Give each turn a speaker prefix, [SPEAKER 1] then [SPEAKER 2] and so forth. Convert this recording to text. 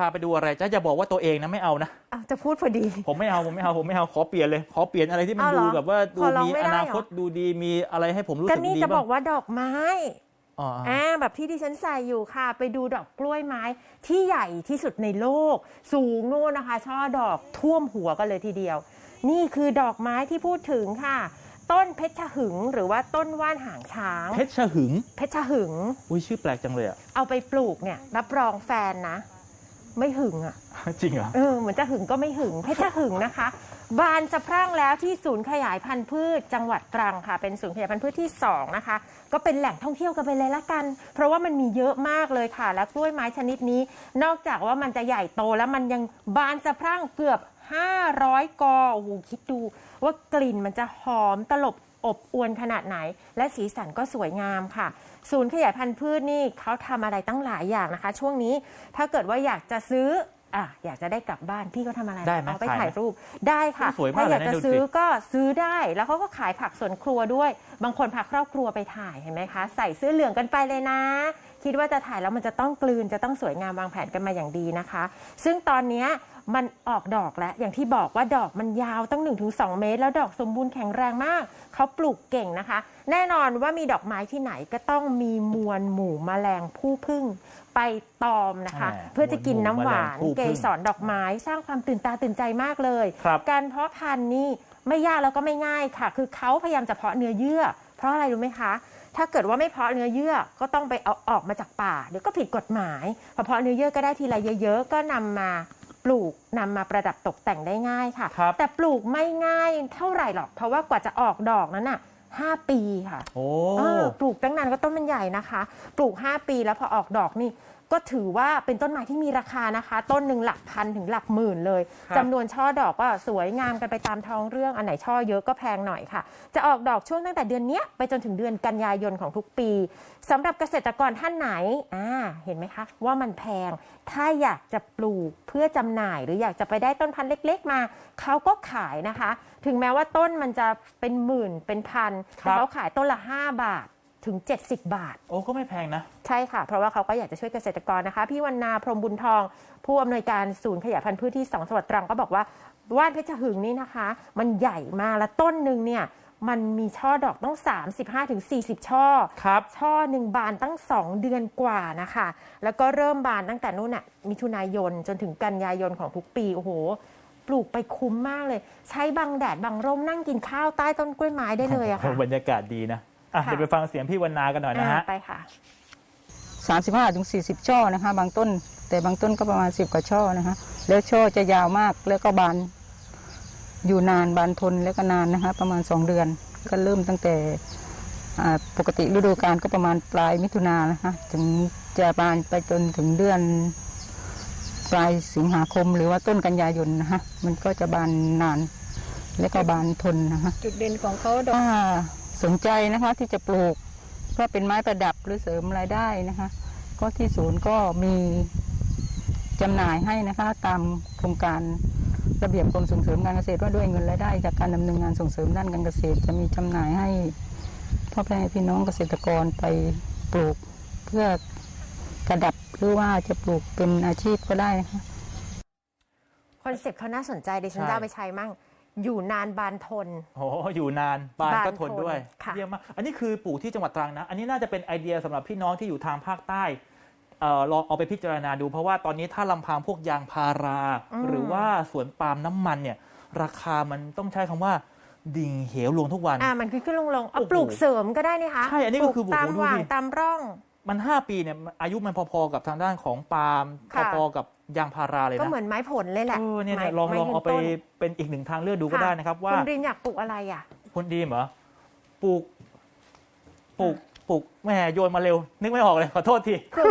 [SPEAKER 1] าไปดูอะไรจะบอกว่าตัวเองนะไม่เอานะ
[SPEAKER 2] จะพูดพอดี
[SPEAKER 1] ผมไม่เอาขอเปลี่ยนเลยขอเปลี่ยนอะไรที่มันดูแบบว่าดูมีอนาคตดูดีมีอะไรให้ผมรู้สึกดีบ้าง
[SPEAKER 2] ก็นี่จะบอกว่าดอกไม้แบบที่ดิฉันใส่อยู่ค่ะไปดูดอกกล้วยไม้ที่ใหญ่ที่สุดในโลกสูงโน่นนะคะช่อดอกท่วมหัวกันเลยทีเดียวนี่คือดอกไม้ที่พูดถึงค่ะต้นเพชรหึงหรือว่าต้นว่านหางช้าง
[SPEAKER 1] เพชรหึง
[SPEAKER 2] อุ้
[SPEAKER 1] ยชื่อแปลกจังเลย
[SPEAKER 2] เอาไปปลูกเนี่ยรับรองแฟนนะไม่หึง
[SPEAKER 1] จริงเหรอ
[SPEAKER 2] เหมือนจะหึงก็ไม่หึงเพชรหึงนะคะบานสะพรั่งแล้วที่ศูนย์ขยายพันธุ์พืชจังหวัดตรังค่ะเป็นศูนย์ขยายพันธุ์พืชที่2นะคะก็เป็นแหล่งท่องเที่ยวกันไปเลยละกันเพราะว่ามันมีเยอะมากเลยค่ะและกล้วยไม้ชนิดนี้นอกจากว่ามันจะใหญ่โตแล้วมันยังบานสะพรั่งเกือบ500 กอโอ้โหคิดดูว่ากลิ่นมันจะหอมตลบอบอวลขนาดไหนและสีสันก็สวยงามค่ะศูนย์ขยายพันธุ์พืชนี่เขาทำอะไรตั้งหลายอย่างนะคะช่วงนี้ถ้าเกิดว่าอยากจะซื้ออยากจะได้กลับบ้านพี่ก็ทำอะไร
[SPEAKER 1] ได้ไหม
[SPEAKER 2] เอาไปถ่ายรูปได้ค่ะ
[SPEAKER 1] ถ้า
[SPEAKER 2] อยากจะซื้อก็ซื้อได้แล้วเขาก็ขายผักสวนครัวด้วยบางคนพาครอบครัวไปถ่ายเห็นไหมคะใส่เสื้อเหลืองกันไปเลยนะคิดว่าจะถ่ายแล้วมันจะต้องกลืนจะต้องสวยงามวางแผนกันมาอย่างดีนะคะซึ่งตอนนี้มันออกดอกแล้วอย่างที่บอกว่าดอกมันยาวตั้ง 1-2 เมตรแล้วดอกสมบูรณ์แข็งแรงมากเขาปลูกเก่งนะคะแน่นอนว่ามีดอกไม้ที่ไหนก็ต้องมีมวลหมู่แมลงผู้ผึ้งไปตอมนะคะเพื่อจะกินน้ำหวานเกสรดอกไม้สร้างความตื่นตาตื่นใจมากเลยการเพาะพันธุ์นี่ไม่ยากแล้วก็ไม่ง่ายค่ะคือเขาพยายามจะเพาะเนื้อเยื่อเพราะอะไรรู้ไหมคะถ้าเกิดว่าไม่เพาะเนื้อเยื่อก็ต้องไปเอาออกมาจากป่าเดี๋ยวก็ผิดกฎหมายพอเพาะเนื้อเยื่อก็ได้ทีละเยอะๆก็นำมาปลูกนำมาประดับตกแต่งได้ง่ายค่ะแต่ปลูกไม่ง่ายเท่าไหร่หรอกเพราะว่ากว่าจะออกดอกนั้น5 ปีค่ะปลูกตั้งนานก็ต้นมันใหญ่นะคะปลูก5 ปีแล้วพอออกดอกนี่ก็ถือว่าเป็นต้นไม้ที่มีราคานะคะต้นหนึ่งหลักพันถึงหลักหมื่นเลยจำนวนช่อดอกก็สวยงามกันไปตามท้องเรื่องอันไหนช่อเยอะก็แพงหน่อยค่ะจะออกดอกช่วงตั้งแต่เดือนนี้ไปจนถึงเดือนกันยายนของทุกปีสำหรับเกษตรกรท่านไหนเห็นไหมคะว่ามันแพงถ้าอยากจะปลูกเพื่อจำหน่ายหรืออยากจะไปได้ต้นพันธุ์เล็กๆมาเขาก็ขายนะคะถึงแม้ว่าต้นมันจะเป็นหมื่นเป็นพันแต่เขาขายต้นละ5 บาทถึง70 บาท
[SPEAKER 1] โอ้ก็ไม่แพงนะ
[SPEAKER 2] ใช่ค่ะเพราะว่าเขาก็อยากจะช่วยเกษตรกรนะคะพี่วรรณาพรหมบุญทองผู้อำนวยการศูนย์ขยายพันธุ์พืชที่2จังหวัดตรังก็บอกว่าว่านเพชรหึงนี่นะคะมันใหญ่มากและต้นหนึ่งเนี่ยมันมีช่อดอกต้อง35-40 ช่อช่อหนึ่งบานตั้ง2 เดือนกว่านะคะแล้วก็เริ่มบานตั้งแต่นู่นมิถุนายนจนถึงกันยายนของทุกปีโอ้โหปลูกไปคุ้มมากเลยใช้บังแดดบังร่มนั่งกินข้าวใต้ต้นกล้วยไม้ได้เลยค่ะ
[SPEAKER 1] บรรยากาศดีนะเดี๋ยวไปฟังเสียงพี่วรรณากันหน่อยนะฮะ
[SPEAKER 2] ไปค่ะ
[SPEAKER 3] 35-40 ช่อนะคะบางต้นแต่บางต้นก็ประมาณ10 กว่าช่อนะคะแล้วช่อจะยาวมากแล้วก็บานอยู่นานบานทนแล้วก็นานนะคะประมาณ2 เดือนก็เริ่มตั้งแต่ปกติฤดูกาลก็ประมาณปลายมิถุนายนนะคะถึงจะบานไปจนถึงเดือนปลายสิงหาคมหรือว่าต้นกันยายนนะคะมันก็จะบานนานแล้วก็บานทนนะคะ
[SPEAKER 2] จุดเด่นของเขาดอก
[SPEAKER 3] สนใจนะคะที่จะปลูกเพื่อเป็นไม้ประดับหรือเสริมรายได้นะคะก็ที่ศูนย์ก็มีจำหน่ายให้นะคะตามโครงการระเบียบกรมส่งเสริมการเกษตรว่าด้วยเงินรายได้จากการดำเนินงานส่งเสริมด้านการเกษตรจะมีจำหน่ายให้พ่อแม่พี่น้องเกษตรกรไปปลูกเพื่อประดับหรือว่าจะปลูกเป็นอาชีพก็ได้นะคะ
[SPEAKER 2] คอนเซ็ปต์เขาน่าสนใจดิฉันจะเอาไปใช้มั่งอยู่นานบานทน
[SPEAKER 1] อยู่นานบานก็ทนด้วยเยี่ยมมากอันนี้คือปลูกที่จังหวัดตรังนะอันนี้น่าจะเป็นไอเดียสำหรับพี่น้องที่อยู่ทางภาคใต้ลองเอาไปพิจารณาดูเพราะว่าตอนนี้ถ้าลำพังพวกยางพาราหรือว่าสวนปาล์มน้ำมันเนี่ยราคามันต้องใช้คำว่าดิ่งเหวลงทุกวัน
[SPEAKER 2] มันขึ้นลงเอาปลูกเสริมก็ได้นี่คะ
[SPEAKER 1] ใช่อันนี้ก็คือ
[SPEAKER 2] ตามหว่างตามร่อง
[SPEAKER 1] มัน5 ปีเนี่ยอายุมันพอๆกับทางด้านของปาล์มพอๆกับยางพาราเลยนะ
[SPEAKER 2] ก็เหมือนไม้ผลเลยแหละ
[SPEAKER 1] เนี่ยลองเอาไปเป็นอีกหนึ่งทางเลือกดูก็ได้นะครับว่า
[SPEAKER 2] คุณดินอยากปลูกอะไร
[SPEAKER 1] คุณดีมเหรอปลูกแม่โยนมาเร็วนึกไม่ออกเลยขอโทษที